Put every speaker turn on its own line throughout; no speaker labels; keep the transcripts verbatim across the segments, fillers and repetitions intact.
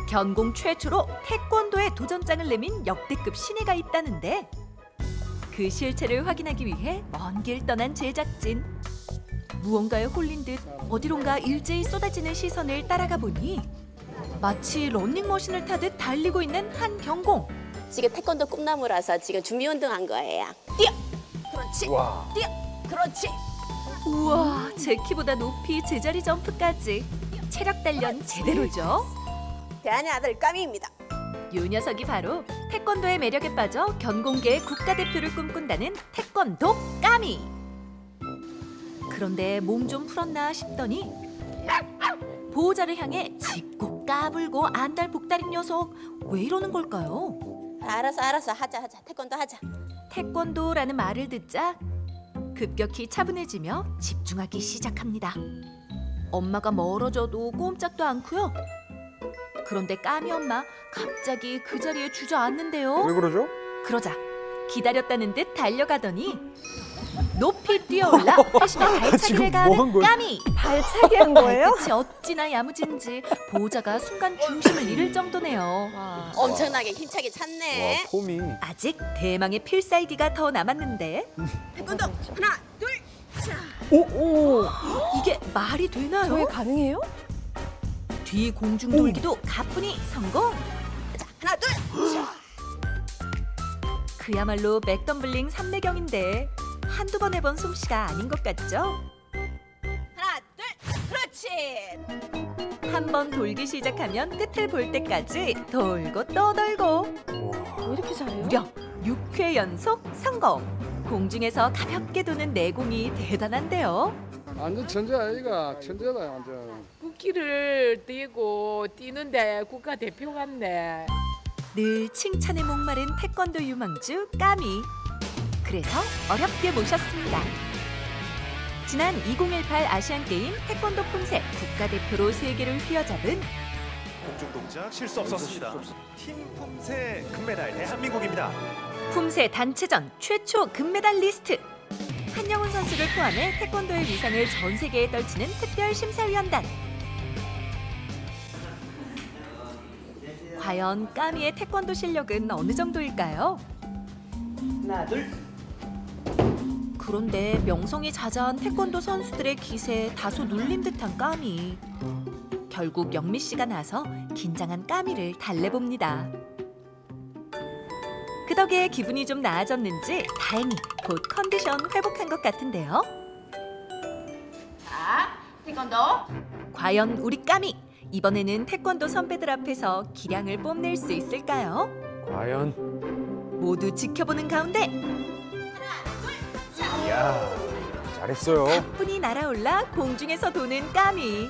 견공 최초로 태권도에 도전장을 내민 역대급 신예가 있다는데 그 실체를 확인하기 위해 먼 길 떠난 제작진. 무언가에 홀린 듯 어디론가 일제히 쏟아지는 시선을 따라가 보니 마치 런닝머신을 타듯 달리고 있는 한 경공.
지금 태권도 꿈나무라서 지금 준비 운동한 거예요. 뛰어! 그렇지.
와.
뛰어! 그렇지.
우와, 제 키보다 높이 제자리 점프까지. 체력 단련 제대로죠.
대한의 아들 까미입니다.
요 녀석이 바로 태권도의 매력에 빠져 견공계의 국가대표를 꿈꾼다는 태권도 까미. 그런데 몸 좀 풀었나 싶더니 보호자를 향해 짚고 까불고 안달복달인 녀석. 왜 이러는 걸까요?
알았어, 알았어. 하자, 하자. 태권도 하자.
태권도라는 말을 듣자 급격히 차분해지며 집중하기 시작합니다. 엄마가 멀어져도 꼼짝도 않고요. 그런데 까미 엄마 갑자기 그 자리에 주저앉는데요.
왜 그러죠?
그러자 기다렸다는 듯 달려가더니 높이 뛰어올라 회심의 발차기를
지금
가하는
뭐 한 거야?
까미.
발차기 한 거예요?
발끝이 어찌나 야무진지 보호자가 순간 중심을 잃을 정도네요.
엄청나게 힘차게
와,
찼네.
폼이.
아직 대망의 필살기가 더 남았는데
태권도 하나, 둘, 자.
오,
이게 말이 되나요?
저게 가능해요?
뒤 공중 돌기도 가뿐히 성공.
자, 하나, 둘, 자.
그야말로 맥덤블링 삼내경인데 한두 번 해본 솜씨가 아닌 것 같죠?
하나, 둘, 그렇지.
한 번 돌기 시작하면 끝을 볼 때까지 돌고 또 돌고
왜 이렇게 잘해요?
무려 육 회 연속 성공. 공중에서 가볍게 도는 내공이 대단한데요.
완전 천재 아이가 천재다 완전.
국기를 띄고 뛰는데 국가대표 같네.
늘 칭찬에 목마른 태권도 유망주 까미. 그래서 어렵게 모셨습니다. 지난 이천십팔 아시안게임 태권도 품새 국가대표로 세계를 휘어잡은
공중 동작 실수 없었습니다. 팀 품새 금메달 대한민국입니다.
품새 단체전 최초 금메달리스트 한영훈 선수를 포함해 태권도의 위상을 전 세계에 떨치는 특별 심사위원단. 과연 까미의 태권도 실력은 어느 정도일까요?
하나 둘.
그런데 명성이 자자한 태권도 선수들의 기세에 다소 눌린 듯한 까미. 결국 영미 씨가 나서 긴장한 까미를 달래봅니다. 그 덕에 기분이 좀 나아졌는지 다행히 곧 컨디션 회복한 것 같은데요.
자, 태권도.
과연 우리 까미 이번에는 태권도 선배들 앞에서 기량을 뽐낼 수 있을까요?
과연.
모두 지켜보는 가운데
이야, 잘했어요.
가뿐히 날아올라 공중에서 도는 까미.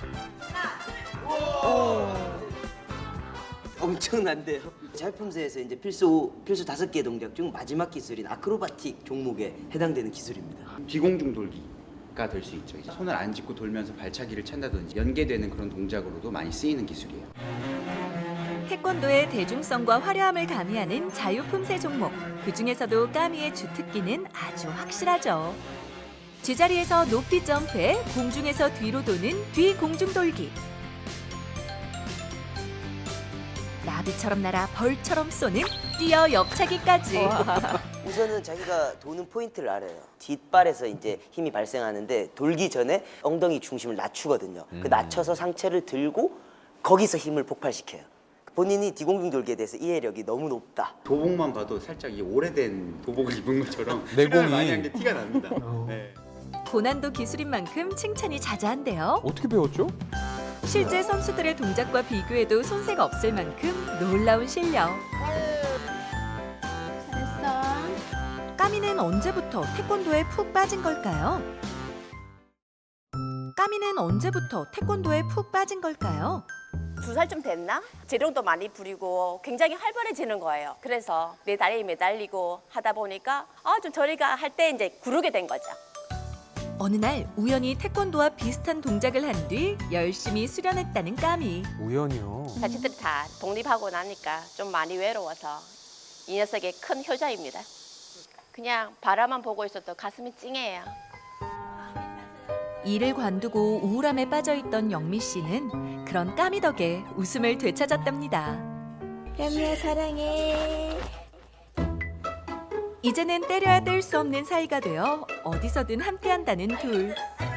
엄청난데요. 자유품새에서 이제 필수 필수 다섯 개 동작 중 마지막 기술인 아크로바틱 종목에 해당되는 기술입니다.
비공중 돌기가 될 수 있죠. 이제 손을 안 짚고 돌면서 발차기를 찬다든지 연계되는 그런 동작으로도 많이 쓰이는 기술이에요.
태권도의 대중성과 화려함을 가미하는 자유품새 종목. 그 중에서도 까미의 주특기는 아주 확실하죠. 제자리에서 높이 점프해 공중에서 뒤로 도는 뒤 공중 돌기. 나비처럼 날아 벌처럼 쏘는 뛰어 옆차기까지.
우선은 자기가 도는 포인트를 알아요. 뒷발에서 이제 힘이 발생하는데 돌기 전에 엉덩이 중심을 낮추거든요. 그 낮춰서 상체를 들고 거기서 힘을 폭발시켜요. 본인이 뒤공중 돌기에 대해서 이해력이 너무 높다.
도복만 봐도 살짝 이 오래된 도복을 입은 것처럼
내공이.
수련을 많이 한 게 티가 납니다. 네.
고난도 기술인 만큼 칭찬이 자자한데요.
어떻게 배웠죠?
실제 선수들의 동작과 비교해도 손색 없을 만큼 놀라운 실력.
잘했어.
까미는 언제부터 태권도에 푹 빠진 걸까요? 까미는 언제부터 태권도에 푹 빠진 걸까요?
두 살쯤 됐나? 재롱도 많이 부리고 굉장히 활발해지는 거예요. 그래서 내 다리에 매달리고 하다 보니까 아, 좀 저리가 할 때 이제 구르게 된 거죠.
어느 날 우연히 태권도와 비슷한 동작을 한 뒤 열심히 수련했다는 까미.
우연이요.
자식들이 다 독립하고 나니까 좀 많이 외로워서 이 녀석의 큰 효자입니다. 그냥 바라만 보고 있어도 가슴이 찡해요.
일을 관두고 우울함에 빠져있던 영미 씨는 그런 까미 덕에 웃음을 되찾았답니다.
까미야 사랑해.
이제는 때려야 뗄 수 없는 사이가 되어 어디서든 함께한다는 둘.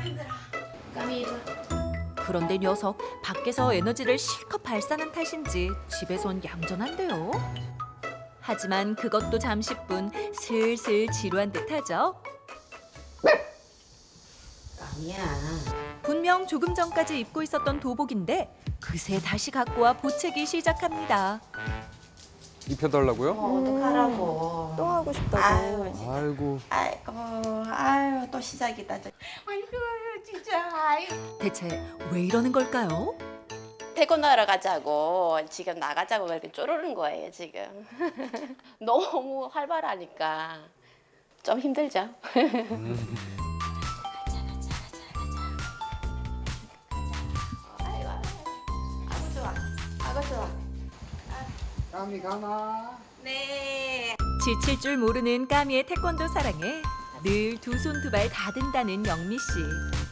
그런데 녀석 밖에서 에너지를 실컷 발산한 탓인지 집에선 얌전한데요. 하지만 그것도 잠시뿐 슬슬 지루한 듯하죠.
까미야.
분명 조금 전까지 입고 있었던 도복인데 그새 다시 갖고 와 보채기 시작합니다.
입혀달라고요?
어, 어떡하라고.
또 하고 싶다고.
아유,
아이고.
아이고, 아유, 또 시작이다. 저. 아이고, 진짜, 아유.
대체 왜 이러는 걸까요?
태권도 하러 가자고 지금 나가자고 그렇게 쪼르는 거예요 지금. 너무 활발하니까 좀 힘들죠. 아이고, 아이고 좋아, 아이고 좋아.
까미 가나?
네.
지칠 줄 모르는 까미의 태권도 사랑에 늘 두 손 두 발 다 든다는 영미 씨.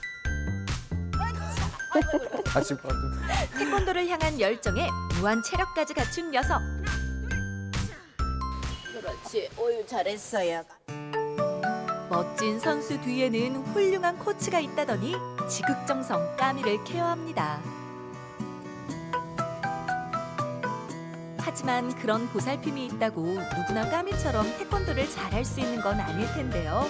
다시 봐도.
태권도를 향한 열정에 무한 체력까지 갖춘 녀석.
그렇지. 오유 잘했어요.
멋진 선수 뒤에는 훌륭한 코치가 있다더니 지극정성 까미를 케어합니다. 하지만 그런 보살핌이 있다고 누구나 까미처럼 태권도를 잘할 수 있는 건 아닐 텐데요.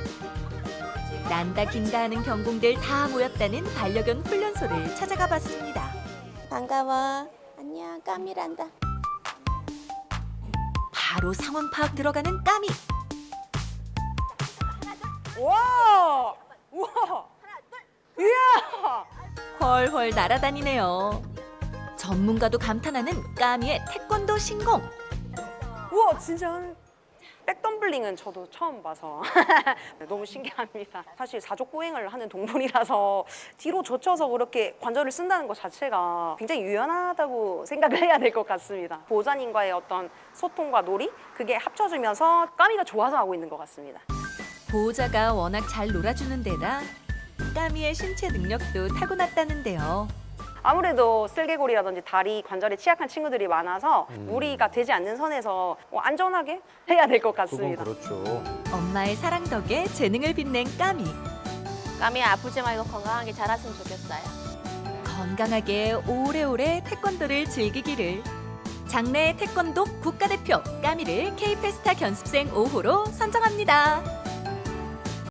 난다 긴다 하는 경공들 다 모였다는 반려견 훈련소를 찾아가 봤습니다.
반가워. 안녕. 까미란다.
바로 상황 파악 들어가는 까미.
와! 우와! 이야!
훨훨 날아다니네요. 전문가도 감탄하는 까미의 태권도 신공.
우와, 진짜 한 백덤블링은 저도 처음 봐서 너무 신기합니다. 사실 사족보행을 하는 동물이라서 뒤로 젖혀서 그렇게 관절을 쓴다는 것 자체가 굉장히 유연하다고 생각을 해야 될 것 같습니다. 보호자님과의 어떤 소통과 놀이, 그게 합쳐지면서 까미가 좋아서 하고 있는 것 같습니다.
보호자가 워낙 잘 놀아주는 데다 까미의 신체 능력도 타고났다는데요.
아무래도 쓸개골이라든지 다리 관절에 취약한 친구들이 많아서 무리가 되지 않는 선에서 어, 안전하게 해야 될 것
그건
같습니다.
그렇죠.
엄마의 사랑 덕에 재능을 빛낸 까미.
까미 아프지 말고 건강하게 자랐으면 좋겠어요.
건강하게 오래오래 태권도를 즐기기를. 장래 태권도 국가대표 까미를 K페스타 견습생 오 호로 선정합니다.